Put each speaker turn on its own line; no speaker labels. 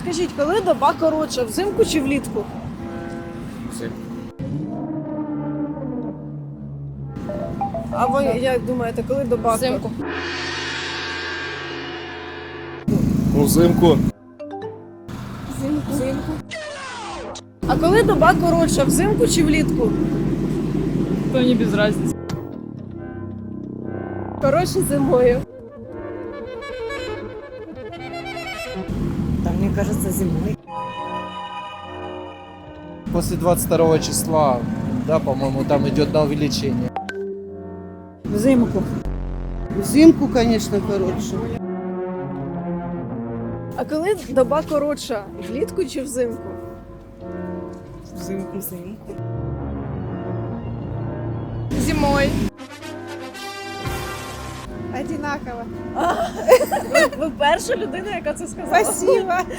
Скажіть, коли доба коротша, взимку чи влітку?
Взимку.
А ви як думаєте, коли доба
Взимку.
Взимку.
Взимку. А коли доба коротша, взимку чи влітку?
То мені без разниці.
Коротше зимою.
Да, мне кажется, зимой.
После 22 числа, да, по-моему, там идет на увеличение.
Взимку. Взимку, конечно, короче.
А коли доба коротша, влітку чи взимку?
Взимку.
Зимой.
Одинаково. Ви перша людина, яка це сказала.
Спасибо.